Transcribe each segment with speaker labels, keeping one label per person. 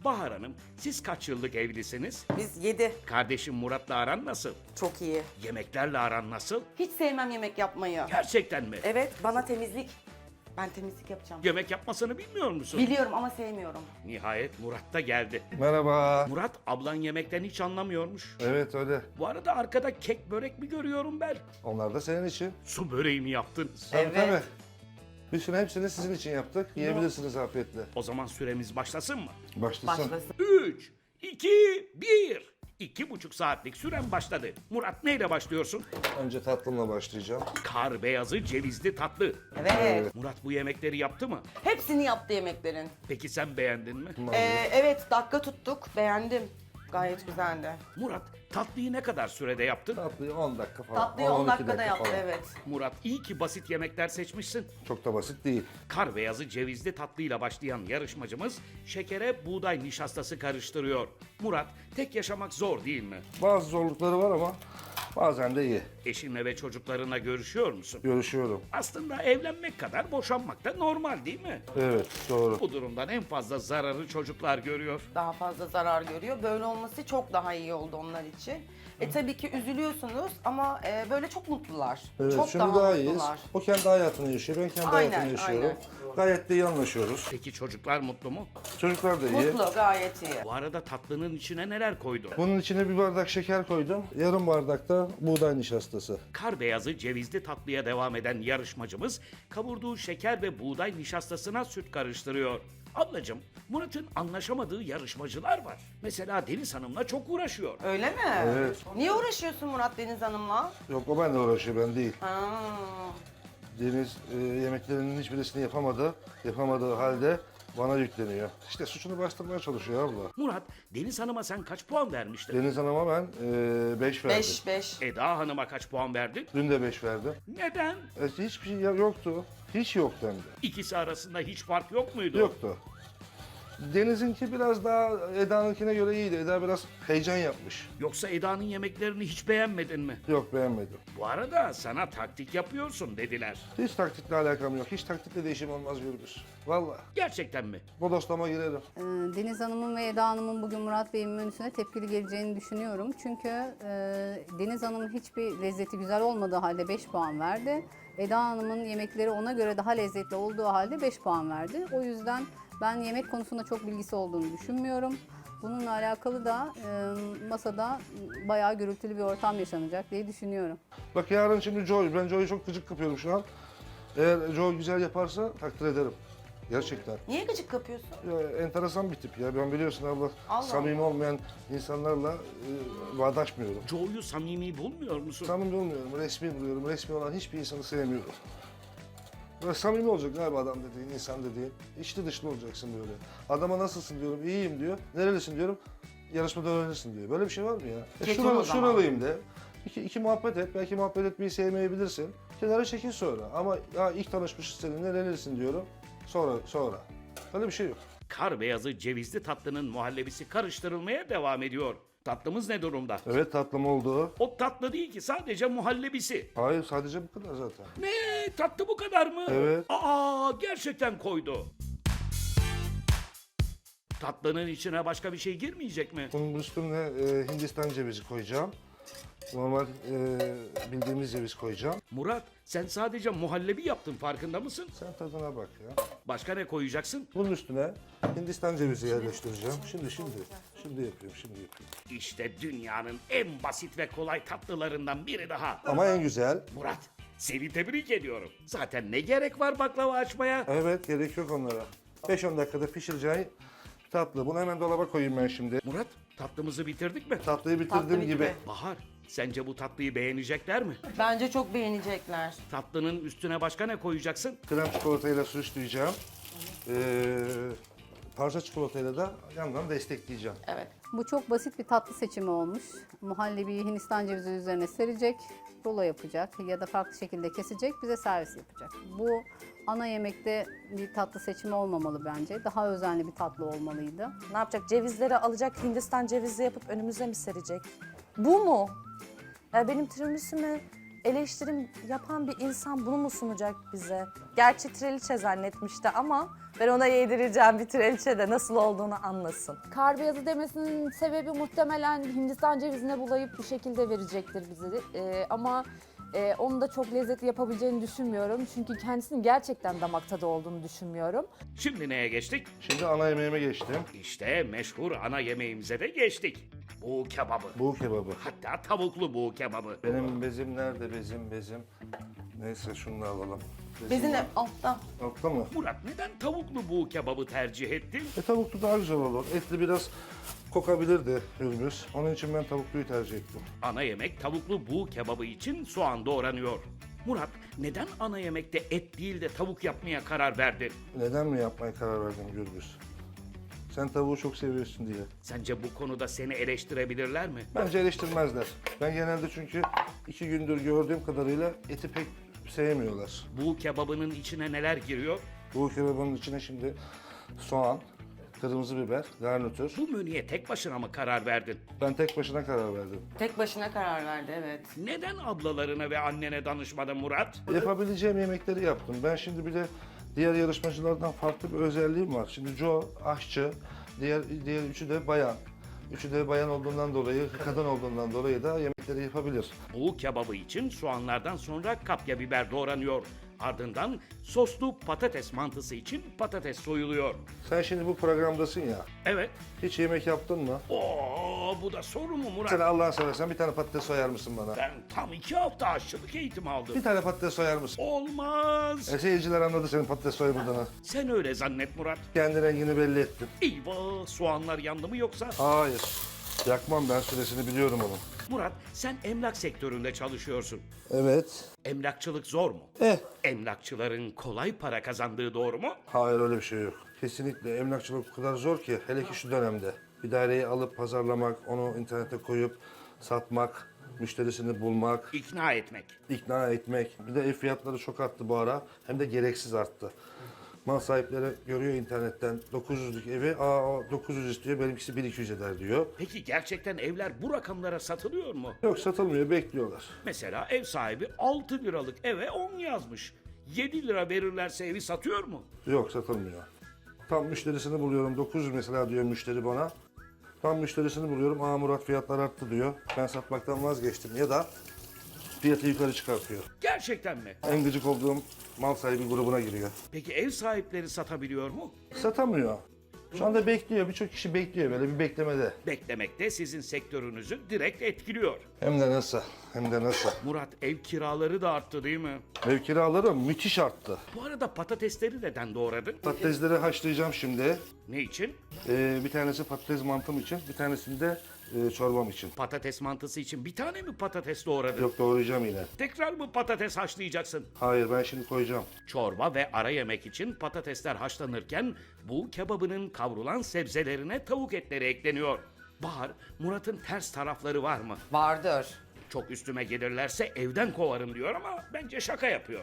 Speaker 1: Bahar Hanım, siz kaç yıllık evlisiniz?
Speaker 2: Biz 7.
Speaker 1: Kardeşim Murat'la aran nasıl?
Speaker 2: Çok iyi.
Speaker 1: Yemeklerle aran nasıl?
Speaker 2: Hiç sevmem yemek yapmayı.
Speaker 1: Gerçekten mi?
Speaker 2: Evet, bana temizlik. Ben temizlik yapacağım.
Speaker 1: Yemek yapmasını bilmiyor musun?
Speaker 2: Biliyorum ama sevmiyorum.
Speaker 1: Nihayet Murat da geldi.
Speaker 3: Merhaba.
Speaker 1: Murat, ablan yemekten hiç anlamıyormuş.
Speaker 3: Evet öyle.
Speaker 1: Bu arada arkada kek börek mi görüyorum ben?
Speaker 3: Onlar da senin için.
Speaker 1: Su böreği mi yaptınız?
Speaker 2: Evet.
Speaker 3: Tabii. Bütün hepsini sizin için yaptık. Yiyebilirsiniz afiyetle.
Speaker 1: O zaman süremiz başlasın mı?
Speaker 3: Başlasın.
Speaker 2: Başlasın.
Speaker 1: 3, 2, 1. 2,5 saatlik süren başladı. Murat neyle başlıyorsun?
Speaker 3: Önce tatlımla başlayacağım.
Speaker 1: Kar beyazı cevizli tatlı.
Speaker 2: Evet.
Speaker 1: Murat bu yemekleri yaptı mı?
Speaker 2: Hepsini yaptı yemeklerin.
Speaker 1: Peki sen beğendin mi?
Speaker 2: Evet, dakika tuttuk. Beğendim. Gayet güzeldi.
Speaker 1: Murat tatlıyı ne kadar sürede yaptın?
Speaker 3: Tatlıyı 10 dakika falan.
Speaker 2: Tatlıyı 10
Speaker 3: 12
Speaker 2: dakikada yaptı,
Speaker 3: falan.
Speaker 2: evet.
Speaker 1: Murat iyi ki basit yemekler seçmişsin.
Speaker 3: Çok da basit değil.
Speaker 1: Kar beyazı cevizli tatlıyla başlayan yarışmacımız şekere buğday nişastası karıştırıyor. Murat, tek yaşamak zor değil mi?
Speaker 3: Bazı zorlukları var ama bazen de iyi.
Speaker 1: Eşinle ve çocuklarına görüşüyor musun?
Speaker 3: Görüşüyorum.
Speaker 1: Aslında evlenmek kadar boşanmak da normal değil mi?
Speaker 3: Evet doğru.
Speaker 1: Bu durumdan en fazla zararı çocuklar görüyor.
Speaker 2: Daha fazla zarar görüyor. Böyle olması çok daha iyi oldu onlar için. Tabii ki üzülüyorsunuz ama böyle çok mutlular.
Speaker 3: Evet,
Speaker 2: çok
Speaker 3: şimdi daha iyiyiz. O kendi hayatını yaşıyor, ben kendi
Speaker 2: Aynen,
Speaker 3: hayatımı yaşıyorum.
Speaker 2: aynen.
Speaker 3: Gayet de iyi anlaşıyoruz.
Speaker 1: Peki çocuklar mutlu mu?
Speaker 3: Çocuklar da iyi.
Speaker 2: Mutlu, gayet iyi.
Speaker 1: Bu arada tatlının içine neler koydu?
Speaker 3: Bunun içine bir bardak şeker koydum. Yarım bardak da buğday nişastası.
Speaker 1: Kar beyazı cevizli tatlıya devam eden yarışmacımız kavurduğu şeker ve buğday nişastasına süt karıştırıyor. Ablacığım, Murat'ın anlaşamadığı yarışmacılar var. Mesela Deniz Hanım'la çok uğraşıyor.
Speaker 2: Öyle mi?
Speaker 3: Evet.
Speaker 2: Niye uğraşıyorsun Murat Deniz Hanım'la?
Speaker 3: Yok o benimle uğraşıyor, ben değil.
Speaker 2: Ha.
Speaker 3: Deniz yemeklerinin hiçbirisini yapamadığı halde bana yükleniyor. İşte suçunu bastırmaya çalışıyor abla.
Speaker 1: Murat, Deniz Hanım'a sen kaç puan vermiştin?
Speaker 3: Deniz Hanım'a ben 5 verdim.
Speaker 2: 5.
Speaker 1: Eda Hanım'a kaç puan verdin?
Speaker 3: Dün de 5 verdim.
Speaker 1: Neden?
Speaker 3: Hiçbir şey yoktu. Hiç yoktu hem de.
Speaker 1: İkisi arasında hiç fark yok muydu?
Speaker 3: Yoktu. Deniz'inki biraz daha Eda'nınkine göre iyiydi. Eda biraz heyecan yapmış.
Speaker 1: Yoksa Eda'nın yemeklerini hiç beğenmedin mi?
Speaker 3: Yok beğenmedim.
Speaker 1: Bu arada sana taktik yapıyorsun dediler.
Speaker 3: Hiç taktikle alakam yok. Hiç taktikle değişim olmaz Gürbüz. Vallahi.
Speaker 1: Gerçekten mi?
Speaker 3: Bodoslama girerim.
Speaker 4: Deniz Hanım'ın ve Eda Hanım'ın bugün Murat Bey'in menüsüne tepkili geleceğini düşünüyorum. Çünkü Deniz Hanım'ın hiçbir lezzeti güzel olmadığı halde 5 puan verdi. Eda Hanım'ın yemekleri ona göre daha lezzetli olduğu halde 5 puan verdi. O yüzden ben yemek konusunda çok bilgisi olduğunu düşünmüyorum. Bununla alakalı da masada bayağı gürültülü bir ortam yaşanacak diye düşünüyorum.
Speaker 3: Bak yarın şimdi Joy. Ben Joy'u çok gıcık kapıyorum şu an. Eğer Joy güzel yaparsa takdir ederim. Gerçekten.
Speaker 2: Niye gıcık kapıyorsun?
Speaker 3: Ya, enteresan bir tip ya. Ben biliyorsun abla
Speaker 2: Allah
Speaker 3: samimi olmayan insanlarla bağdaşmıyorum.
Speaker 1: Joe'yu samimi bulmuyor musun?
Speaker 3: Samimi olmuyorum, resmi buluyorum. Resmi olan hiçbir insanı sevmiyorum. Böyle samimi olacak galiba adam dediğin, insan dediğin. İçli dışlı olacaksın böyle. Adama nasılsın diyorum, iyiyim diyor. Nerelisin diyorum, yarışmada öğrenirsin diyor. Böyle bir şey var mı ya?
Speaker 2: Kesin o zaman.
Speaker 3: Şuralıyım de. İki muhabbet et, belki muhabbet etmeyi sevmeyebilirsin. Kenara çekil sonra. Ama ya ilk tanışmışız seninle, nerelisin diyorum. Sonra. Öyle bir şey yok.
Speaker 1: Kar beyazı cevizli tatlının muhallebisi karıştırılmaya devam ediyor. Tatlımız ne durumda?
Speaker 3: Evet tatlım oldu.
Speaker 1: O tatlı değil ki, sadece muhallebisi.
Speaker 3: Hayır sadece bu kadar zaten.
Speaker 1: Ne? Tatlı bu kadar mı?
Speaker 3: Evet.
Speaker 1: Aa, gerçekten koydu. Tatlının içine başka bir şey girmeyecek mi?
Speaker 3: Bunun üstüne Hindistan cevizi koyacağım. Normal bildiğimiz ceviz koyacağım.
Speaker 1: Murat, sen sadece muhallebi yaptın, farkında mısın?
Speaker 3: Sen tadına bak ya.
Speaker 1: Başka ne koyacaksın?
Speaker 3: Bunun üstüne Hindistan cevizi yerleştireceğim. Şimdi yapıyorum.
Speaker 1: İşte dünyanın en basit ve kolay tatlılarından biri daha.
Speaker 3: Ama en güzel.
Speaker 1: Murat, seni tebrik ediyorum. Zaten ne gerek var baklava açmaya?
Speaker 3: Evet gerek yok onlara. 5-10 dakikada pişireceği tatlı. Bunu hemen dolaba koyayım ben şimdi.
Speaker 1: Murat, tatlımızı bitirdik mi?
Speaker 3: Tatlıyı bitirdiğim
Speaker 2: Tatlı
Speaker 3: gibi.
Speaker 2: bitti.
Speaker 1: Bahar, sence bu tatlıyı beğenecekler mi?
Speaker 2: Bence çok beğenecekler.
Speaker 1: Tatlının üstüne başka ne koyacaksın?
Speaker 3: Krem çikolatayla süsleyeceğim. Parça çikolatayla da yandan destekleyeceğim.
Speaker 2: Evet.
Speaker 4: Bu çok basit bir tatlı seçimi olmuş. Muhallebiyi Hindistan cevizi üzerine serecek, rulo yapacak ya da farklı şekilde kesecek, bize servis yapacak. Bu ana yemekte bir tatlı seçimi olmamalı bence. Daha özenli bir tatlı olmalıydı.
Speaker 5: Ne yapacak? Cevizleri alacak, Hindistan cevizi yapıp önümüze mi serecek? Bu mu? Ya benim tiramisu'mu eleştirim yapan bir insan bunu mu sunacak bize? Gerçi treliçe zannetmişti ama Ben ona yedireceğim bir trileçe de nasıl olduğunu anlasın.
Speaker 6: Kar beyazı demesinin sebebi muhtemelen Hindistan cevizine bulayıp bir şekilde verecektir bizi. Ama onu da çok lezzetli yapabileceğini düşünmüyorum. Çünkü kendisinin gerçekten damak tadı olduğunu düşünmüyorum.
Speaker 1: Şimdi neye geçtik?
Speaker 3: Şimdi ana yemeğime geçtim.
Speaker 1: İşte meşhur ana yemeğimize de geçtik. Buğu kebabı.
Speaker 3: Bu kebabı.
Speaker 1: Hatta tavuklu buğu kebabı.
Speaker 3: Benim bezim nerede bezim? Neyse şunu da alalım.
Speaker 2: Bezin altta.
Speaker 3: Altta mı?
Speaker 1: Murat neden tavuklu buğu kebabı tercih ettin?
Speaker 3: Tavuklu daha güzel olur. Etli biraz kokabilirdi Hürmüz. Onun için ben tavukluyu tercih ettim.
Speaker 1: Ana yemek tavuklu buğu kebabı için soğan doğranıyor. Murat neden ana yemekte et değil de tavuk yapmaya karar verdin?
Speaker 3: Neden mi yapmaya karar verdin Gürbüz? Sen tavuğu çok seviyorsun diye.
Speaker 1: Sence bu konuda seni eleştirebilirler mi?
Speaker 3: Bence eleştirmezler. Ben genelde çünkü 2 gündür gördüğüm kadarıyla eti pek sevmiyorlar.
Speaker 1: Buğu kebabının içine neler giriyor?
Speaker 3: Bu kebabın içine şimdi soğan, kırmızı biber, garnitür.
Speaker 1: Bu menüye tek başına mı karar verdin?
Speaker 3: Ben tek başına karar verdim.
Speaker 2: Tek başına karar verdi, evet.
Speaker 1: Neden ablalarına ve annene danışmadın Murat?
Speaker 3: Yapabileceğim yemekleri yaptım. Ben şimdi bir de diğer yarışmacılardan farklı bir özelliğim var. Şimdi Joe aşçı, diğer üçü de bayan. Üçü de bayan olduğundan dolayı, kadın olduğundan dolayı da yemekleri yapabilir.
Speaker 1: Buğu kebabı için soğanlardan sonra kapya biber doğranıyor. Ardından soslu patates mantısı için patates soyuluyor.
Speaker 3: Sen şimdi bu programdasın ya.
Speaker 1: Evet.
Speaker 3: Hiç yemek yaptın mı?
Speaker 1: Oo, bu da soru mu Murat?
Speaker 3: Sen Allah'ını seversen bir tane patates soyar mısın bana?
Speaker 1: Ben tam 2 hafta aşçılık eğitimi aldım.
Speaker 3: Bir tane patates soyar mısın?
Speaker 1: Olmaz.
Speaker 3: Seyirciler anladı senin patates soyamadığını.
Speaker 1: Sen öyle zannet Murat.
Speaker 3: Kendi rengini belli ettin.
Speaker 1: Eyvah, soğanlar yandı mı yoksa?
Speaker 3: Hayır. Yakmam, ben süresini biliyorum onun.
Speaker 1: Murat, sen emlak sektöründe çalışıyorsun.
Speaker 3: Evet.
Speaker 1: Emlakçılık zor mu?
Speaker 3: Eh.
Speaker 1: Emlakçıların kolay para kazandığı doğru mu?
Speaker 3: Hayır, öyle bir şey yok. Kesinlikle emlakçılık o kadar zor ki, hele ki şu dönemde. Bir daireyi alıp pazarlamak, onu internete koyup satmak, müşterisini bulmak,
Speaker 1: İkna etmek.
Speaker 3: ikna etmek. Bir de ev fiyatları çok arttı bu ara. Hem de gereksiz arttı. Mal sahipleri görüyor internetten 900'lük evi, o 900 istiyor, benimkisi 1200 eder diyor.
Speaker 1: Peki gerçekten evler bu rakamlara satılıyor mu?
Speaker 3: Yok, satılmıyor, bekliyorlar.
Speaker 1: Mesela ev sahibi 6 liralık eve 10 yazmış. 7 lira verirlerse evi satıyor mu?
Speaker 3: Yok, satılmıyor. Tam müşterisini buluyorum, 900 mesela diyor müşteri bana. Tam müşterisini buluyorum, Murat fiyatlar arttı diyor. Ben satmaktan vazgeçtim ya da fiyatı yukarı çıkartıyor.
Speaker 1: Gerçekten mi?
Speaker 3: En gıcık olduğum mal sahibi grubuna giriyor.
Speaker 1: Peki ev sahipleri satabiliyor mu?
Speaker 3: Satamıyor. Şu anda bekliyor, birçok kişi bekliyor böyle bir beklemede.
Speaker 1: Beklemek de sizin sektörünüzü direkt etkiliyor.
Speaker 3: Hem de nasıl, hem de nasıl.
Speaker 1: Murat, ev kiraları da arttı değil mi?
Speaker 3: Ev kiraları müthiş arttı.
Speaker 1: Bu arada patatesleri neden doğradın?
Speaker 3: Patatesleri haşlayacağım şimdi.
Speaker 1: Ne için?
Speaker 3: Bir tanesi patates mantım için, bir tanesini de çorbam için.
Speaker 1: Patates mantısı için bir tane mi patates doğradın?
Speaker 3: Yok, doğrayacağım yine.
Speaker 1: Tekrar mı patates haşlayacaksın?
Speaker 3: Hayır, ben şimdi koyacağım.
Speaker 1: Çorba ve ara yemek için patatesler haşlanırken bu kebabının kavrulan sebzelerine tavuk etleri ekleniyor. Bahar, Murat'ın ters tarafları var mı?
Speaker 2: Vardır.
Speaker 1: Çok üstüme gelirlerse evden kovarım diyor ama bence şaka yapıyor.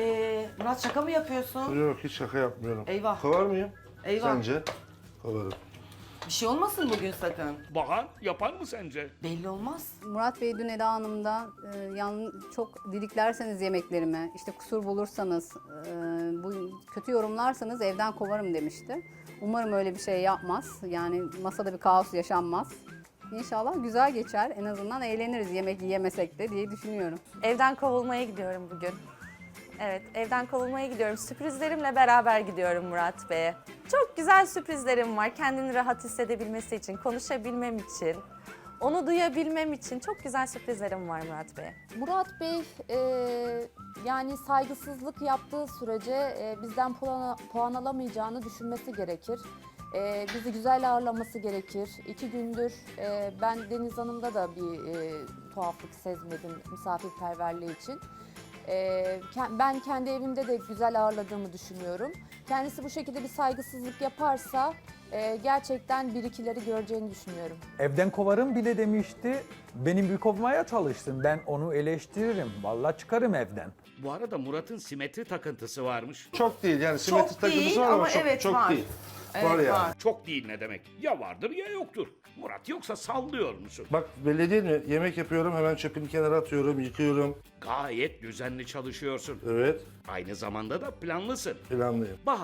Speaker 2: Murat, şaka mı yapıyorsun?
Speaker 3: Yok, hiç şaka yapmıyorum.
Speaker 2: Eyvah.
Speaker 3: Kovar mıyım?
Speaker 2: Eyvah.
Speaker 3: Sence? Kovarım.
Speaker 2: Bir şey olmasın bugün sakın.
Speaker 1: Bahar, yapar mı sence?
Speaker 2: Belli olmaz.
Speaker 4: Murat Bey dün Eda Hanım'da çok didiklerseniz yemeklerimi, işte kusur bulursanız, bu kötü yorumlarsanız evden kovarım demişti. Umarım öyle bir şey yapmaz. Yani masada bir kaos yaşanmaz. İnşallah güzel geçer. En azından eğleniriz yemek yiyemesek de diye düşünüyorum.
Speaker 5: Evden kovulmaya gidiyorum bugün. Evet, evden kovulmaya gidiyorum. Sürprizlerimle beraber gidiyorum Murat Bey'e. Çok güzel sürprizlerim var. Kendini rahat hissedebilmesi için, konuşabilmem için, onu duyabilmem için çok güzel sürprizlerim var Murat Bey'e.
Speaker 6: Murat Bey yani saygısızlık yaptığı sürece bizden puan alamayacağını düşünmesi gerekir. Bizi güzel ağırlaması gerekir. 2 gündür ben Deniz Hanım'da da bir tuhaflık sezmedim misafirperverliği için. Ben kendi evimde de güzel ağırladığımı düşünüyorum. Kendisi bu şekilde bir saygısızlık yaparsa gerçekten bir ikileri göreceğini düşünüyorum.
Speaker 7: Evden kovarım bile demişti. Benim bir kovmaya çalışsın. Ben onu eleştiririm. Vallahi çıkarım evden.
Speaker 1: Bu arada Murat'ın simetri takıntısı varmış.
Speaker 3: Çok değil yani, simetri
Speaker 2: Çok
Speaker 3: takıntısı
Speaker 2: değil
Speaker 3: var ama
Speaker 2: ama
Speaker 3: çok,
Speaker 2: evet,
Speaker 3: çok
Speaker 2: var.
Speaker 3: değil.
Speaker 2: Evet,
Speaker 3: var yani.
Speaker 2: var.
Speaker 1: Çok değil ne demek? Ya vardır ya yoktur. Murat, yoksa sallıyor musun?
Speaker 3: Bak, belli değil mi? Yemek yapıyorum, hemen çöpünü kenara atıyorum, yıkıyorum.
Speaker 1: Gayet düzenli çalışıyorsun.
Speaker 3: Evet,
Speaker 1: Aynı zamanda da planlısın.
Speaker 3: planlıyım.
Speaker 1: Bahar,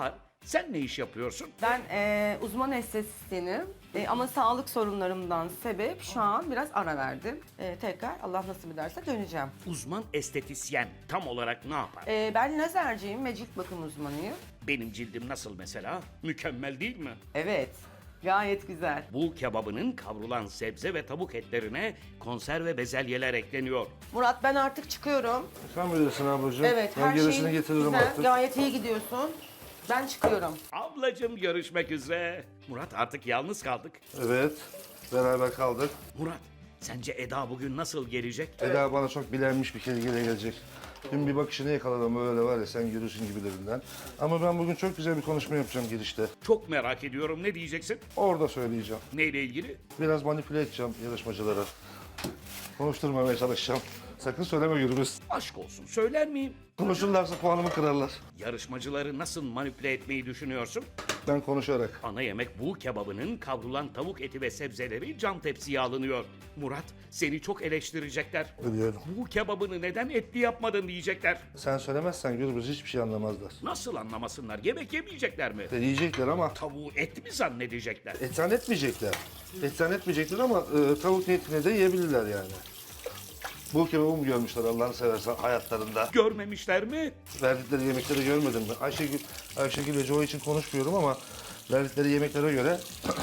Speaker 1: Sen ne iş yapıyorsun?
Speaker 2: Ben uzman estetisyenim ama sağlık sorunlarımdan sebep şu an biraz ara verdim. Tekrar Allah nasip ederse döneceğim.
Speaker 1: Uzman estetisyen tam olarak ne yapar?
Speaker 2: Ben lazerciyim ve cilt bakım uzmanıyım.
Speaker 1: Benim cildim nasıl mesela? Mükemmel değil mi?
Speaker 2: Evet, gayet güzel.
Speaker 1: Bu kebabının kavrulan sebze ve tavuk etlerine konserve bezelyeler ekleniyor.
Speaker 2: Murat ben artık çıkıyorum.
Speaker 3: Sen bilirsin ablacığım.
Speaker 2: Evet,
Speaker 3: ben
Speaker 2: her
Speaker 3: gerisini
Speaker 2: şey
Speaker 3: getiririm
Speaker 2: güzel,
Speaker 3: artık.
Speaker 2: gayet iyi gidiyorsun. Ben çıkıyorum.
Speaker 1: Ablacım görüşmek üzere. Murat artık yalnız kaldık.
Speaker 3: Evet, beraber kaldık.
Speaker 1: Murat sence Eda bugün nasıl gelecek?
Speaker 3: Eda bana çok bilenmiş bir kelgeyle gelecek. Dün bir bakışını yakaladım öyle var ya sen görürsün gibilerinden. Ama ben bugün çok güzel bir konuşma yapacağım girişte.
Speaker 1: Çok merak ediyorum, ne diyeceksin?
Speaker 3: Orada söyleyeceğim.
Speaker 1: Neyle ilgili?
Speaker 3: Biraz manipüle edeceğim yarışmacılara. Konuşturmamaya çalışacağım. Sakın söyleme Gürbüz.
Speaker 1: Aşk olsun, söyler miyim?
Speaker 3: Konuşurlarsa puanımı kırarlar.
Speaker 1: Yarışmacıları nasıl manipüle etmeyi düşünüyorsun?
Speaker 3: Ben konuşarak.
Speaker 1: Ana yemek bu kebabının kavrulan tavuk eti ve sebzeleri cam tepsiye alınıyor. Murat, seni çok eleştirecekler.
Speaker 3: Biliyorum.
Speaker 1: Bu kebabını neden etli yapmadın diyecekler.
Speaker 3: Sen söylemezsen Gürbüz hiçbir şey anlamazlar.
Speaker 1: Nasıl anlamasınlar? Yemek yemeyecekler mi?
Speaker 3: Yiyecekler ama
Speaker 1: Tavuğu et mi zannedecekler?
Speaker 3: et zannetmeyecekler. Et zannetmeyecekler ama tavuk niyetine de yiyebilirler yani. Bu kebabı mı görmüşler Allah'ını seversen hayatlarında?
Speaker 1: Görmemişler mi?
Speaker 3: Verdikleri yemekleri görmedim mi? Ayşegül ve Joe için konuşmuyorum ama verdikleri yemeklere göre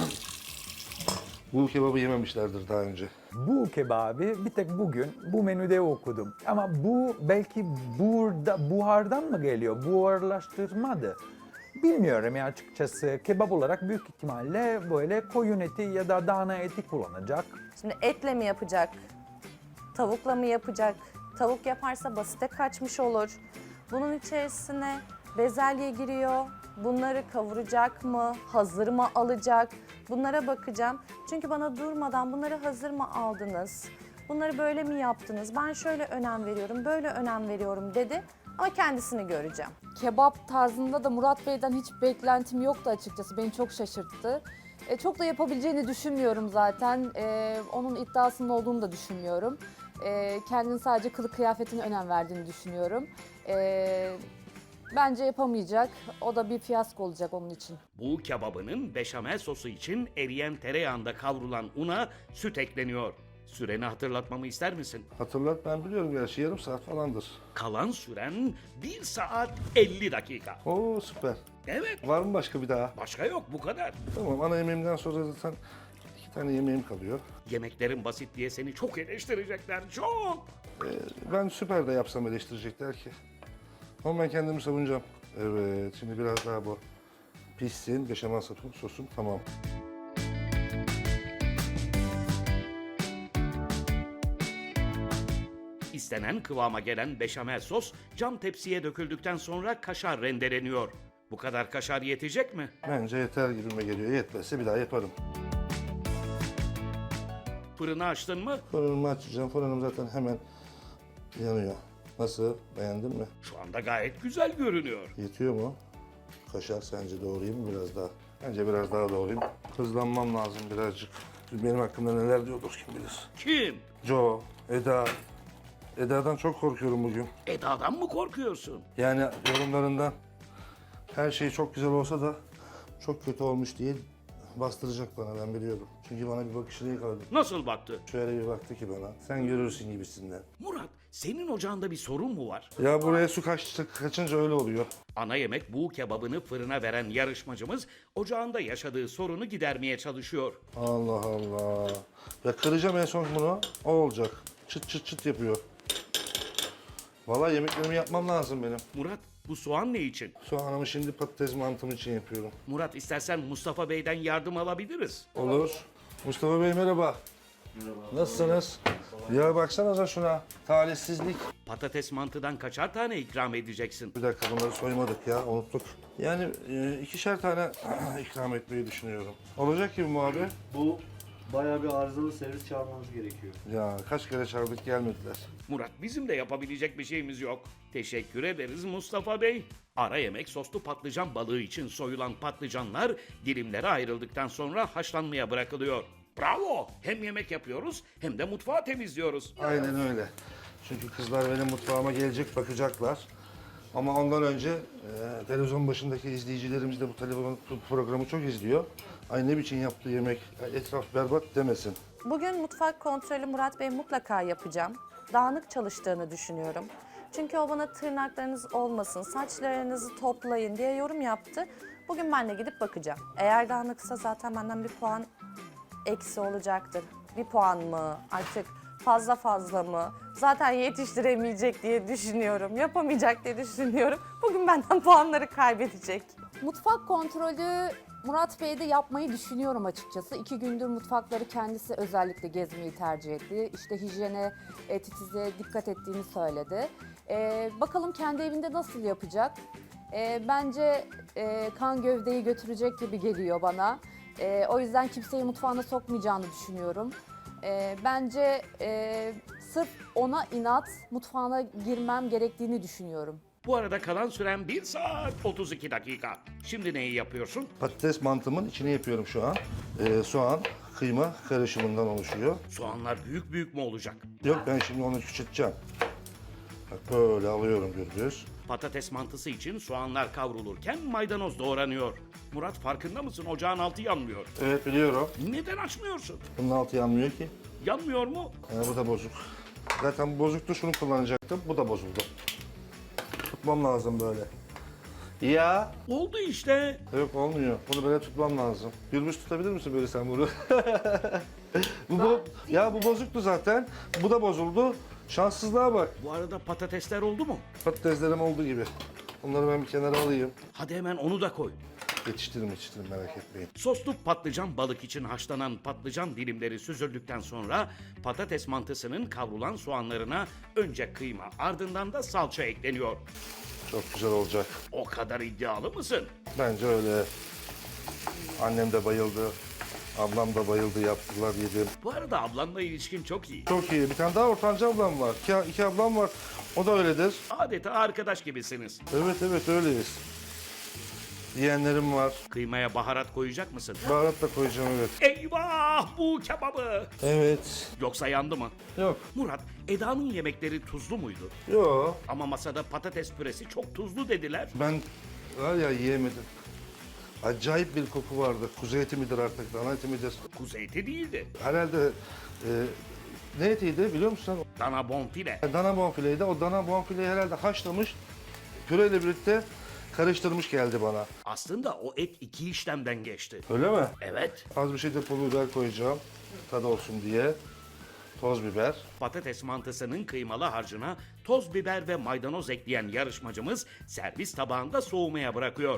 Speaker 3: bu kebabı yememişlerdir daha önce.
Speaker 7: Bu kebabı bir tek bugün bu menüde okudum. Ama bu belki burada buhardan mı geliyor? Buharlaştırmadı. Bilmiyorum ya açıkçası. Kebap olarak büyük ihtimalle böyle koyun eti ya da dana eti kullanacak.
Speaker 5: Şimdi etle mi yapacak? Tavukla mı yapacak? Tavuk yaparsa basite kaçmış olur. Bunun içerisine bezelye giriyor. Bunları kavuracak mı? Hazır mı alacak? Bunlara bakacağım. Çünkü bana durmadan bunları hazır mı aldınız? Bunları böyle mi yaptınız? Ben şöyle önem veriyorum, böyle önem veriyorum dedi. Ama kendisini göreceğim.
Speaker 6: Kebap tarzında da Murat Bey'den hiç beklentim yoktu açıkçası. Beni çok şaşırttı. Çok da yapabileceğini düşünmüyorum zaten. Onun iddiasının olduğunu da düşünmüyorum. Kendini sadece kılık kıyafetine önem verdiğini düşünüyorum. Bence yapamayacak. O da bir fiyasko olacak onun için.
Speaker 1: Bu kebabının beşamel sosu için eriyen tereyağında kavrulan una süt ekleniyor. Süreni hatırlatmamı ister misin?
Speaker 3: Hatırlat ben biliyorum gerçi yarım saat falandır.
Speaker 1: Kalan süren 1 saat 50 dakika.
Speaker 3: Oo süper.
Speaker 1: Evet,
Speaker 3: Var mı başka bir daha?
Speaker 1: başka yok, bu kadar.
Speaker 3: Tamam ana yemeğimden sonra zaten 2 tane yemeğim kalıyor.
Speaker 1: Yemeklerin basit diye seni çok eleştirecekler, çok.
Speaker 3: Ben süper de yapsam eleştirecekler ki. Ama ben kendimi savunacağım. Evet şimdi biraz daha bu pişsin. Beşamel sosum tamam.
Speaker 1: İstenen kıvama gelen beşamel sos cam tepsiye döküldükten sonra kaşar rendeleniyor. Bu kadar kaşar yetecek mi?
Speaker 3: Bence yeter gibime geliyor. Yetmezse bir daha yaparım.
Speaker 1: Fırını açtın mı?
Speaker 3: Fırınımı açacağım. Fırınım zaten hemen yanıyor. Nasıl? Beğendin mi?
Speaker 1: Şu anda gayet güzel görünüyor.
Speaker 3: Yetiyor mu? Kaşar sence doğrayayım mı biraz daha? Bence biraz daha doğrayayım. Hızlanmam lazım birazcık. Benim hakkımda neler diyordur kim bilir.
Speaker 1: Kim?
Speaker 3: Joe, Eda. Eda'dan çok korkuyorum bugün.
Speaker 1: Eda'dan mı korkuyorsun?
Speaker 3: Yani yorumlarından her şey çok güzel olsa da çok kötü olmuş diye bastıracak bana ben biliyorum. Çünkü bana bir bakışını yakaladım.
Speaker 1: Nasıl baktı?
Speaker 3: Şöyle bir baktı ki bana. Sen görürsün gibisinden.
Speaker 1: Murat, senin ocağında bir sorun mu var?
Speaker 3: Ya buraya su kaçınca öyle oluyor.
Speaker 1: Ana yemek bu kebabını fırına veren yarışmacımız ocağında yaşadığı sorunu gidermeye çalışıyor.
Speaker 3: Allah Allah. Ya kıracağım en son bunu. O olacak. Çıt çıt çıt yapıyor. Vallahi yemeklerimi yapmam lazım benim.
Speaker 1: Murat, bu soğan ne için?
Speaker 3: Soğanımı şimdi patates mantım için yapıyorum.
Speaker 1: Murat, istersen Mustafa Bey'den yardım alabiliriz.
Speaker 3: Olur. Mustafa Bey merhaba. Merhaba. Nasılsınız? Ya baksanıza şuna. Talihsizlik.
Speaker 1: Patates mantıdan kaçar tane ikram edeceksin?
Speaker 3: Bir dakika bunları soymadık ya unuttuk. Yani 2'şer tane ikram etmeyi düşünüyorum. Olacak gibi mi abi?
Speaker 8: Bu bayağı bir arızalı servis çağırmanız gerekiyor.
Speaker 3: Ya kaç kere çağırdık gelmediler.
Speaker 1: Murat, bizim de yapabilecek bir şeyimiz yok. Teşekkür ederiz Mustafa Bey. Ara yemek soslu patlıcan balığı için soyulan patlıcanlar dilimlere ayrıldıktan sonra haşlanmaya bırakılıyor. Bravo! Hem yemek yapıyoruz hem de mutfağı temizliyoruz.
Speaker 3: Aynen öyle. Çünkü kızlar benim mutfağıma gelecek bakacaklar. Ama ondan önce televizyon başındaki izleyicilerimiz de bu televizyon programı çok izliyor. Ay ne biçim yaptığı yemek, etraf berbat demesin.
Speaker 5: Bugün mutfak kontrolü Murat Bey mutlaka yapacağım. Dağınık çalıştığını düşünüyorum. Çünkü o bana tırnaklarınız olmasın, saçlarınızı toplayın diye yorum yaptı. Bugün ben de gidip bakacağım. Eğer dağınıksa zaten benden bir puan eksi olacaktır. Bir puan mı, artık fazla mı? Zaten yetiştiremeyecek diye düşünüyorum, yapamayacak diye düşünüyorum. Bugün benden puanları kaybedecek.
Speaker 6: Mutfak kontrolü Murat Bey'de yapmayı düşünüyorum açıkçası. 2 gündür mutfakları kendisi özellikle gezmeyi tercih etti. İşte hijyene, titize dikkat ettiğini söyledi. Bakalım kendi evinde nasıl yapacak? Bence kan gövdeyi götürecek gibi geliyor bana. O yüzden kimseyi mutfağına sokmayacağını düşünüyorum. Bence sırf ona inat mutfağına girmem gerektiğini düşünüyorum.
Speaker 1: Bu arada kalan süren 1 saat 32 dakika. Şimdi neyi yapıyorsun?
Speaker 3: Patates mantımın içini yapıyorum şu an. Soğan, kıyma karışımından oluşuyor.
Speaker 1: Soğanlar büyük büyük mü olacak?
Speaker 3: Yok ben şimdi onu küçülteceğim. Bak böyle alıyorum gürbüz.
Speaker 1: Patates mantısı için soğanlar kavrulurken maydanoz doğranıyor. Murat farkında mısın? Ocağın altı yanmıyor.
Speaker 3: Evet biliyorum.
Speaker 1: Neden açmıyorsun?
Speaker 3: Bunun altı yanmıyor ki.
Speaker 1: Yanmıyor mu?
Speaker 3: Bu da bozuk. Zaten bu bozuktu, şunu kullanacaktım. Bu da bozuldu. Tutmam lazım böyle. Ya.
Speaker 1: Oldu işte.
Speaker 3: Yok olmuyor. Bunu böyle tutmam lazım. Gürbüz tutabilir misin böyle sen bunu? Ya bu bozuktu zaten. Bu da bozuldu. Şanssızlığa bak.
Speaker 1: Bu arada patatesler oldu mu?
Speaker 3: Patateslerim olduğu gibi. Onları ben bir kenara alayım.
Speaker 1: Hadi hemen onu da koy.
Speaker 3: Yetiştiririm merak etmeyin.
Speaker 1: Soslu patlıcan balık için haşlanan patlıcan dilimleri süzüldükten sonra patates mantısının kavrulan soğanlarına önce kıyma ardından da salça ekleniyor.
Speaker 3: Çok güzel olacak.
Speaker 1: O kadar iddialı mısın?
Speaker 3: Bence öyle. Annem de bayıldı. Ablam da bayıldı, yaptılar, yedim.
Speaker 1: Bu arada ablanla ilişkin çok iyi.
Speaker 3: Çok iyi. Bir tane daha ortanca ablam var. İki ablam var. O da öyledir.
Speaker 1: Adeta arkadaş gibisiniz.
Speaker 3: Evet öyleyiz. Yeğenlerim var.
Speaker 1: Kıymaya baharat koyacak mısın?
Speaker 3: Baharat da koyacağım evet.
Speaker 1: Eyvah bu kebabı.
Speaker 3: Evet.
Speaker 1: Yoksa yandı mı?
Speaker 3: Yok.
Speaker 1: Murat, Eda'nın yemekleri tuzlu muydu?
Speaker 3: Yok.
Speaker 1: Ama masada patates püresi çok tuzlu dediler.
Speaker 3: Ben var ya yiyemedim. Acayip bir koku vardı. Kuzu eti midir artık, dana eti midir?
Speaker 1: Kuzu eti değildi.
Speaker 3: Herhalde ne etiydi biliyor musun?
Speaker 1: Dana bonfile.
Speaker 3: Dana bonfileydi. O dana bonfileyi herhalde haşlamış, püreyle birlikte karıştırmış geldi bana.
Speaker 1: Aslında o et 2 işlemden geçti.
Speaker 3: Öyle mi?
Speaker 1: Evet.
Speaker 3: Az bir şey de pul biber koyacağım. Tadı olsun diye. Toz biber.
Speaker 1: Patates mantısının kıymalı harcına toz biber ve maydanoz ekleyen yarışmacımız servis tabağında soğumaya bırakıyor.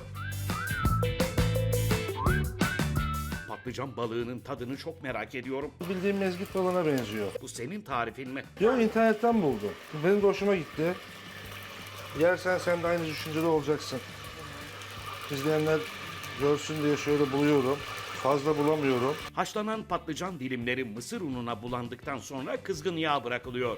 Speaker 1: Patlıcan balığının tadını çok merak ediyorum.
Speaker 3: Bildiğim mezgit balığına benziyor.
Speaker 1: Bu senin tarifin mi?
Speaker 3: Yok internetten buldum. Benim de hoşuma gitti. Yersen sen de aynı düşüncede olacaksın. İzleyenler görsün diye şöyle buluyorum. Fazla bulamıyorum.
Speaker 1: Haşlanan patlıcan dilimleri mısır ununa bulandıktan sonra kızgın yağ bırakılıyor.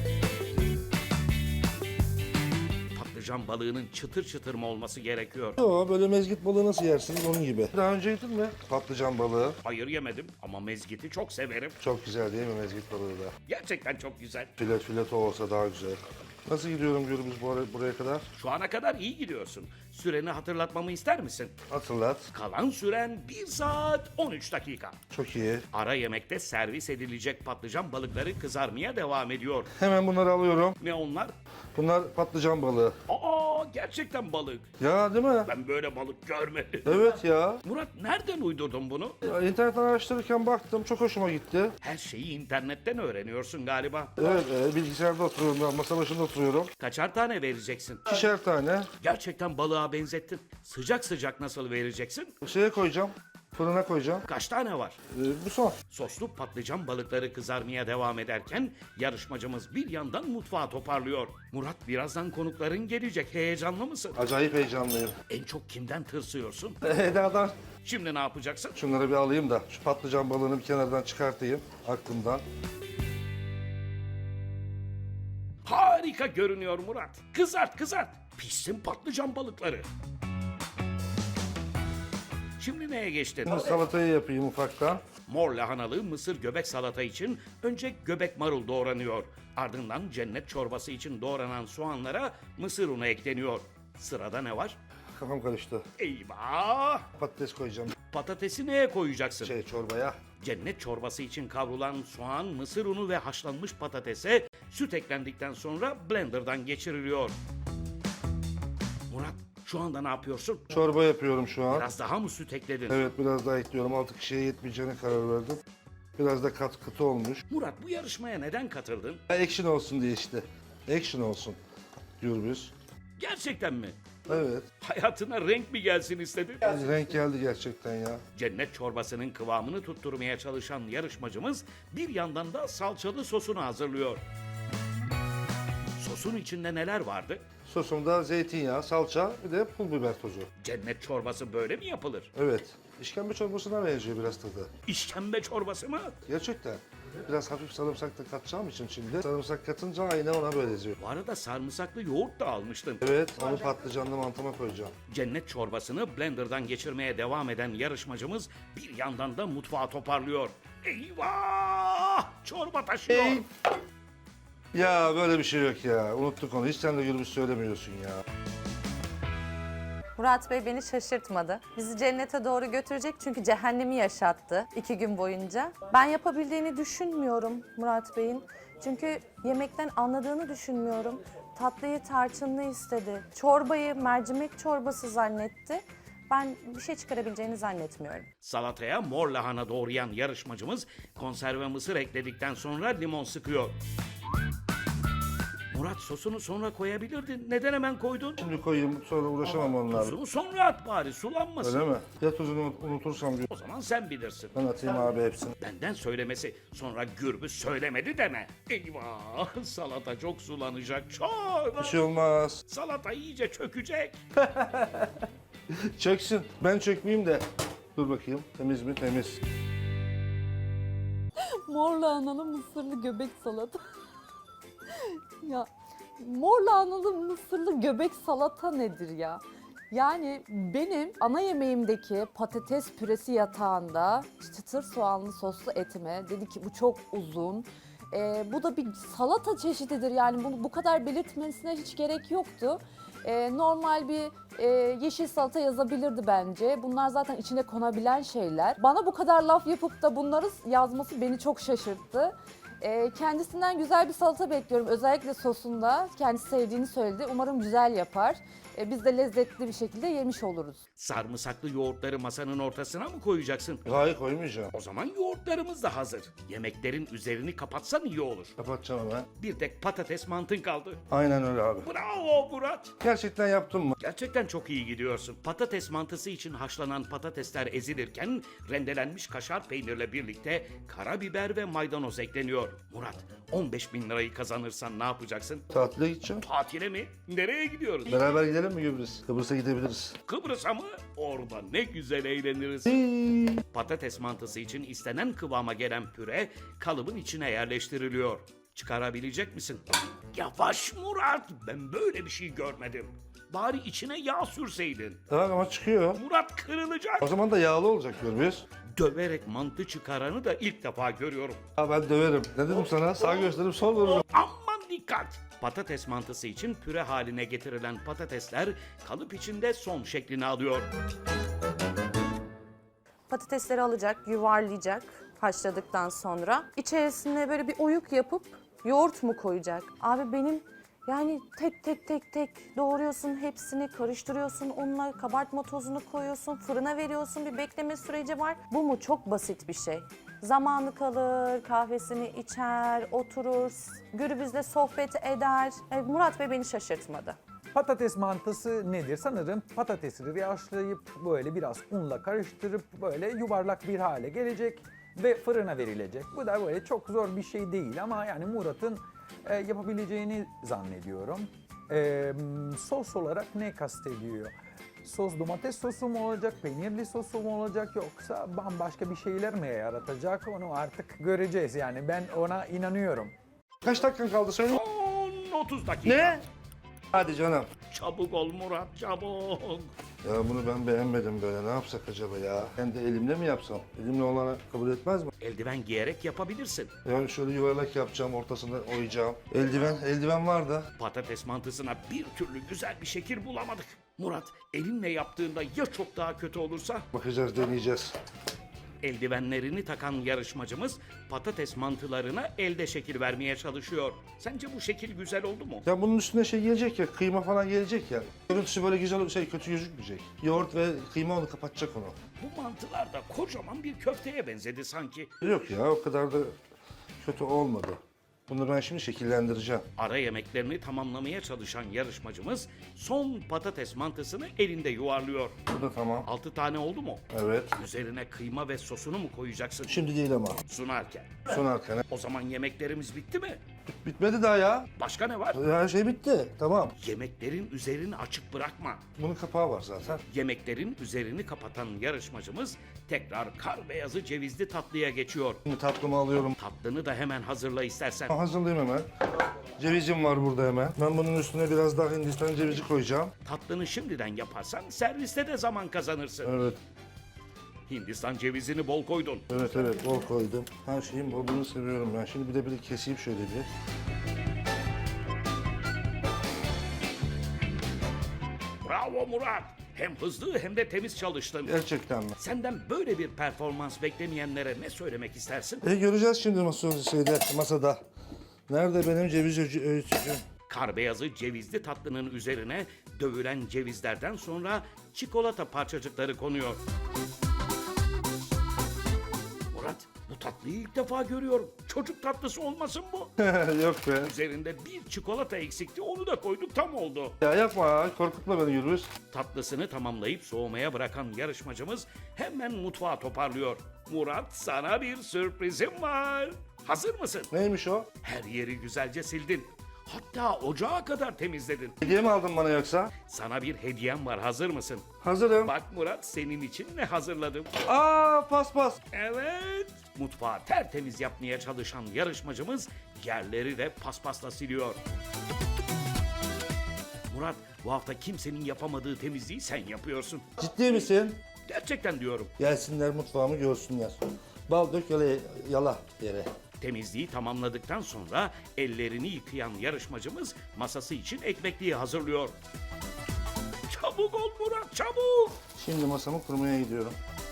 Speaker 1: Patlıcan balığının çıtır çıtır mı olması gerekiyor?
Speaker 3: Yok böyle mezgit balığı nasıl yersiniz onun gibi. Daha önce yedin mi? Patlıcan balığı.
Speaker 1: Hayır yemedim ama mezgiti çok severim.
Speaker 3: Çok güzel değil mi mezgit balığı da?
Speaker 1: Gerçekten çok güzel.
Speaker 3: Fileto olsa daha güzel. Nasıl gidiyorum Gürbüz buraya kadar?
Speaker 1: Şu ana kadar iyi gidiyorsun. Süreni hatırlatmamı ister misin?
Speaker 3: Hatırlat.
Speaker 1: Kalan süren 1 saat 13 dakika.
Speaker 3: Çok iyi.
Speaker 1: Ara yemekte servis edilecek patlıcan balıkları kızarmaya devam ediyor.
Speaker 3: Hemen bunları alıyorum.
Speaker 1: Ne onlar?
Speaker 3: Bunlar patlıcan balığı.
Speaker 1: Aa gerçekten balık.
Speaker 3: Ya değil mi?
Speaker 1: Ben böyle balık görmedim.
Speaker 3: Evet ya.
Speaker 1: Murat nereden uydurdun bunu?
Speaker 3: İnternetten araştırırken baktım. Çok hoşuma gitti.
Speaker 1: Her şeyi internetten öğreniyorsun galiba.
Speaker 3: Evet bilgisayarda oturuyorum ben. Masa başında oturuyorum.
Speaker 1: Kaçar tane vereceksin?
Speaker 3: 2'şer tane.
Speaker 1: Gerçekten balığa benzettin. Sıcak sıcak nasıl vereceksin?
Speaker 3: Şeye koyacağım. Fırına koyacağım.
Speaker 1: Kaç tane var?
Speaker 3: Bu son.
Speaker 1: Soslu patlıcan balıkları kızarmaya devam ederken yarışmacımız bir yandan mutfağı toparlıyor. Murat birazdan konukların gelecek. Heyecanlı mısın?
Speaker 3: Acayip heyecanlıyım.
Speaker 1: En çok kimden tırsıyorsun?
Speaker 3: Eda'dan
Speaker 1: Şimdi ne yapacaksın?
Speaker 3: şunları bir alayım da şu patlıcan balığını bir kenardan çıkartayım aklımdan.
Speaker 1: Harika görünüyor Murat. Kızart kızart. Pişsin patlıcan balıkları. Şimdi neye geçtin?
Speaker 3: Şimdi salatayı yapayım ufaktan.
Speaker 1: Mor lahanalı mısır göbek salata için önce göbek marul doğranıyor. Ardından cennet çorbası için doğranan soğanlara mısır unu ekleniyor. Sırada ne var?
Speaker 3: Kafam karıştı.
Speaker 1: Eyvah!
Speaker 3: Patates koyacağım
Speaker 1: Patatesi neye koyacaksın?
Speaker 3: çorbaya.
Speaker 1: Cennet çorbası için kavrulan soğan, mısır unu ve haşlanmış patatese süt eklendikten sonra blenderdan geçiriliyor. Murat, şu anda ne yapıyorsun?
Speaker 3: Çorba yapıyorum şu an.
Speaker 1: Biraz daha mı süt ekledin?
Speaker 3: Evet biraz daha ekliyorum. 6 kişiye yetmeyeceğine karar verdim. Biraz da katı olmuş.
Speaker 1: Murat, bu yarışmaya neden katıldın?
Speaker 3: Action olsun diye işte. Action olsun Gürbüz.
Speaker 1: Gerçekten mi?
Speaker 3: Evet.
Speaker 1: Hayatına renk mi gelsin istedin?
Speaker 3: Renk geldi gerçekten ya.
Speaker 1: Cennet çorbasının kıvamını tutturmaya çalışan yarışmacımız bir yandan da salçalı sosunu hazırlıyor. Sosun içinde neler vardı?
Speaker 3: Sosumda zeytinyağı, salça bir de pul biber tozu.
Speaker 1: Cennet çorbası böyle mi yapılır?
Speaker 3: Evet. İşkembe çorbasına benziyor biraz tadı.
Speaker 1: İşkembe çorbası mı?
Speaker 3: Gerçekten. Biraz hafif sarımsak da katacağım için şimdi. Sarımsak katınca aynı ona benziyor.
Speaker 1: Bu arada sarımsaklı yoğurt da almıştın.
Speaker 3: Evet, onu patlıcanlı mantıma koyacağım.
Speaker 1: Cennet çorbasını blenderdan geçirmeye devam eden yarışmacımız bir yandan da mutfağı toparlıyor. Eyvah! Çorba taşıyor.
Speaker 3: Ya böyle bir şey yok ya. Unuttuk onu. Hiç sen de Gürbüz söylemiyorsun ya.
Speaker 5: Murat Bey beni şaşırtmadı. Bizi cennete doğru götürecek çünkü cehennemi yaşattı 2 gün boyunca. Ben yapabildiğini düşünmüyorum Murat Bey'in. Çünkü yemekten anladığını düşünmüyorum. Tatlıyı tarçınlı istedi. Çorbayı mercimek çorbası zannetti. Ben bir şey çıkarabileceğini zannetmiyorum.
Speaker 1: Salataya mor lahana doğrayan yarışmacımız konserve mısır ekledikten sonra limon sıkıyor. Murat, sosunu sonra koyabilirdin. Neden hemen koydun?
Speaker 3: Şimdi koyayım sonra uğraşamam onlarla.
Speaker 1: Tuzunu sonra at bari, sulanmasın.
Speaker 3: Öyle mi? Ya tuzunu unutursam
Speaker 1: O zaman sen bilirsin.
Speaker 3: ben atayım abi hepsini.
Speaker 1: Benden söylemesi, sonra Gürbüz söylemedi deme. Eyvah, salata çok sulanacak. Çok.
Speaker 3: Bir şey olmaz.
Speaker 1: Salata iyice çökecek.
Speaker 3: Çöksün. Ben çökmeyeyim de. Dur bakayım. Temiz mi? Temiz.
Speaker 6: Mor lahanalı mısırlı göbek salata. Ya mor lahanalı mısırlı göbek salata nedir ya? Yani benim ana yemeğimdeki patates püresi yatağında çıtır soğanlı soslu etime dedi ki bu çok uzun. Bu da bir salata çeşididir yani bunu bu kadar belirtmesine hiç gerek yoktu. Normal bir yeşil salata yazabilirdi bence. Bunlar zaten içine konabilen şeyler. Bana bu kadar laf yapıp da bunları yazması beni çok şaşırttı. Kendisinden güzel bir salata bekliyorum. Özellikle sosunda. Kendisi sevdiğini söyledi. Umarım güzel yapar. Biz de lezzetli bir şekilde yemiş oluruz.
Speaker 1: Sarımsaklı yoğurtları masanın ortasına mı koyacaksın?
Speaker 3: Hayır koymayacağım.
Speaker 1: O zaman yoğurtlarımız da hazır. Yemeklerin üzerini kapatsan iyi olur.
Speaker 3: Kapatacağım hemen.
Speaker 1: Bir tek patates mantın kaldı.
Speaker 3: Aynen öyle abi.
Speaker 1: Bravo Murat.
Speaker 3: Gerçekten yaptın mı?
Speaker 1: Gerçekten çok iyi gidiyorsun. Patates mantısı için haşlanan patatesler ezilirken rendelenmiş kaşar peynirle birlikte karabiber ve maydanoz ekleniyor. Murat, 15.000 lirayı kazanırsan ne yapacaksın?
Speaker 3: Tatile gideceğim.
Speaker 1: Tatile mi? Nereye gidiyoruz?
Speaker 3: Beraber gidelim mi Gürbüz? Kıbrıs'a gidebiliriz.
Speaker 1: Kıbrıs'a mı? Orada ne güzel eğleniriz. Patates mantısı için istenen kıvama gelen püre kalıbın içine yerleştiriliyor. Çıkarabilecek misin? Yavaş Murat, ben böyle bir şey görmedim. Bari içine yağ sürseydin.
Speaker 3: Tamam ama çıkıyor.
Speaker 1: Murat kırılacak.
Speaker 3: O zaman da yağlı olacak Gürbüz.
Speaker 1: Döverek mantı çıkaranı da ilk defa görüyorum.
Speaker 3: Ha ben döverim. Ne dedim sana? Sağ gösterip sol vururum.
Speaker 1: Aman dikkat! Patates mantısı için püre haline getirilen patatesler kalıp içinde son şeklini alıyor.
Speaker 5: Patatesleri alacak, yuvarlayacak haşladıktan sonra. İçerisine böyle bir oyuk yapıp yoğurt mu koyacak? Abi benim yani tek doğruyorsun hepsini, karıştırıyorsun onunla, kabartma tozunu koyuyorsun, fırına veriyorsun, bir bekleme süreci var. Bu mu? Çok basit bir şey. Zamanı kalır, kahvesini içer, oturur, Gürbüz'le sohbet eder. Murat Bey beni şaşırtmadı.
Speaker 7: Patates mantısı nedir? Sanırım patatesleri haşlayıp böyle biraz unla karıştırıp böyle yuvarlak bir hale gelecek ve fırına verilecek. Bu da böyle çok zor bir şey değil ama yani Murat'ın yapabileceğini zannediyorum. Sos olarak ne kastediyor? Sos domates sosu mu olacak, peynirli sosu mu olacak yoksa bambaşka bir şeyler mi yaratacak onu artık göreceğiz yani ben ona inanıyorum.
Speaker 3: Kaç dakikan kaldı söyle.
Speaker 1: 30 dakika.
Speaker 3: Ne? Hadi canım.
Speaker 1: Çabuk ol Murat, çabuk.
Speaker 3: Ya bunu ben beğenmedim böyle. Ne yapsak acaba ya? Hem de elimle mi yapsam? Elimle olana kabul etmez mi?
Speaker 1: Eldiven giyerek yapabilirsin.
Speaker 3: Yani şöyle yuvarlak yapacağım, ortasında oyacağım. Eldiven var da.
Speaker 1: Patates mantısına bir türlü güzel bir şekil bulamadık. Murat, elinle yaptığında ya çok daha kötü olursa?
Speaker 3: Bakacağız, deneyeceğiz.
Speaker 1: Eldivenlerini takan yarışmacımız patates mantılarına elde şekil vermeye çalışıyor. Sence bu şekil güzel oldu mu?
Speaker 3: Ya bunun üstüne şey gelecek ya, kıyma falan gelecek ya. Görüntüsü böyle güzel, kötü gözükmeyecek. Yoğurt ve kıyma onu kapatacak onu.
Speaker 1: Bu mantılar da kocaman bir köfteye benzedi sanki.
Speaker 3: Yok ya, o kadar da kötü olmadı. Bunu ben şimdi şekillendireceğim.
Speaker 1: Ara yemeklerini tamamlamaya çalışan yarışmacımız son patates mantısını elinde yuvarlıyor.
Speaker 3: Bu da tamam.
Speaker 1: 6 tane oldu mu?
Speaker 3: Evet.
Speaker 1: Üzerine kıyma ve sosunu mu koyacaksın
Speaker 3: Şimdi değil ama.
Speaker 1: sunarken?
Speaker 3: Sunarken.
Speaker 1: O zaman yemeklerimiz bitti mi?
Speaker 3: Bitmedi daha ya.
Speaker 1: Başka ne var?
Speaker 3: Her şey bitti. Tamam.
Speaker 1: Yemeklerin üzerini açık bırakma.
Speaker 3: Bunun kapağı var zaten.
Speaker 1: Yemeklerin üzerini kapatan yarışmacımız tekrar kar beyazı cevizli tatlıya geçiyor.
Speaker 3: Şimdi tatlımı alıyorum.
Speaker 1: Tatlını da hemen hazırla istersen.
Speaker 3: Hazırlayayım hemen. Cevizim var burada hemen. Ben bunun üstüne biraz daha Hindistan cevizi koyacağım.
Speaker 1: Tatlını şimdiden yaparsan serviste de zaman kazanırsın.
Speaker 3: Evet.
Speaker 1: Hindistan cevizini bol koydun.
Speaker 3: Evet, bol koydum. Her şeyin bolluğunu seviyorum ben. Şimdi bir de keseyim şöyle bir.
Speaker 1: Bravo Murat. Hem hızlı hem de temiz çalıştın.
Speaker 3: Gerçekten mi?
Speaker 1: Senden böyle bir performans beklemeyenlere ne söylemek istersin?
Speaker 3: Göreceğiz şimdi masada. Nerede benim ceviz öğütücüm?
Speaker 1: Kar beyazı cevizli tatlının üzerine dövülen cevizlerden sonra çikolata parçacıkları konuyor. Murat, bu tatlıyı ilk defa görüyorum. Çocuk tatlısı olmasın bu?
Speaker 3: Yok be.
Speaker 1: Üzerinde bir çikolata eksikti, onu da koyduk, tam oldu.
Speaker 3: Ya yapma, korkutma beni Gürbüz.
Speaker 1: Tatlısını tamamlayıp soğumaya bırakan yarışmacımız hemen mutfağa toparlıyor. Murat, sana bir sürprizim var. Hazır mısın?
Speaker 3: Neymiş o?
Speaker 1: Her yeri güzelce sildin. Hatta ocağa kadar temizledin.
Speaker 3: Hediye mi aldın bana yoksa?
Speaker 1: Sana bir hediyem var, hazır mısın?
Speaker 3: Hazırım.
Speaker 1: Bak Murat, senin için ne hazırladım?
Speaker 3: Paspas.
Speaker 1: Evet. Mutfağı tertemiz yapmaya çalışan yarışmacımız yerleri de paspasla siliyor. Murat, bu hafta kimsenin yapamadığı temizliği sen yapıyorsun.
Speaker 3: Ciddi misin?
Speaker 1: Gerçekten diyorum.
Speaker 3: Gelsinler mutfağımı görsünler. Bal dök yala yere.
Speaker 1: Temizliği tamamladıktan sonra ellerini yıkayan yarışmacımız masası için ekmekliği hazırlıyor. Çabuk ol Murat, çabuk!
Speaker 3: Şimdi masamı kurmaya gidiyorum.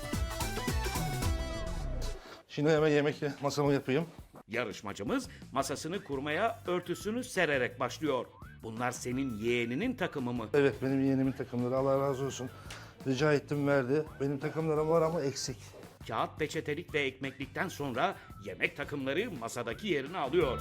Speaker 3: Şimdi hemen masamı yapayım.
Speaker 1: Yarışmacımız masasını kurmaya örtüsünü sererek başlıyor. Bunlar senin yeğeninin takımı mı?
Speaker 3: Evet, benim yeğenimin takımları, Allah razı olsun. Rica ettim, verdi. Benim takımlarım var ama eksik.
Speaker 1: Kağıt peçetelik ve ekmeklikten sonra yemek takımları masadaki yerini alıyor.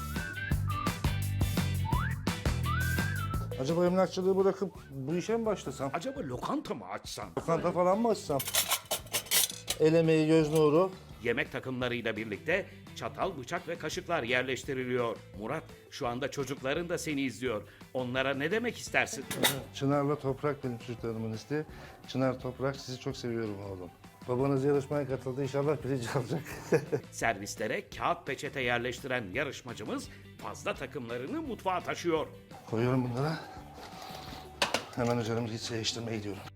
Speaker 3: Acaba emlakçılığı bırakıp bu işe mi başlasam?
Speaker 1: Acaba lokanta mı açsan?
Speaker 3: Lokanta falan mı açsam? El emeği, göz nuru.
Speaker 1: Yemek takımlarıyla birlikte çatal, bıçak ve kaşıklar yerleştiriliyor. Murat, şu anda çocukların da seni izliyor. Onlara ne demek istersin?
Speaker 3: Çınar'la Toprak benim çocuklarımın isteği. Çınar, Toprak, sizi çok seviyorum oğlum. Babanız yarışmaya katıldı, inşallah birinci alacak.
Speaker 1: Servislere kağıt peçete yerleştiren yarışmacımız fazla takımlarını mutfağa taşıyor.
Speaker 3: Koyuyorum bunları. Hemen üzerimizi hiç değiştirmeye gidiyorum.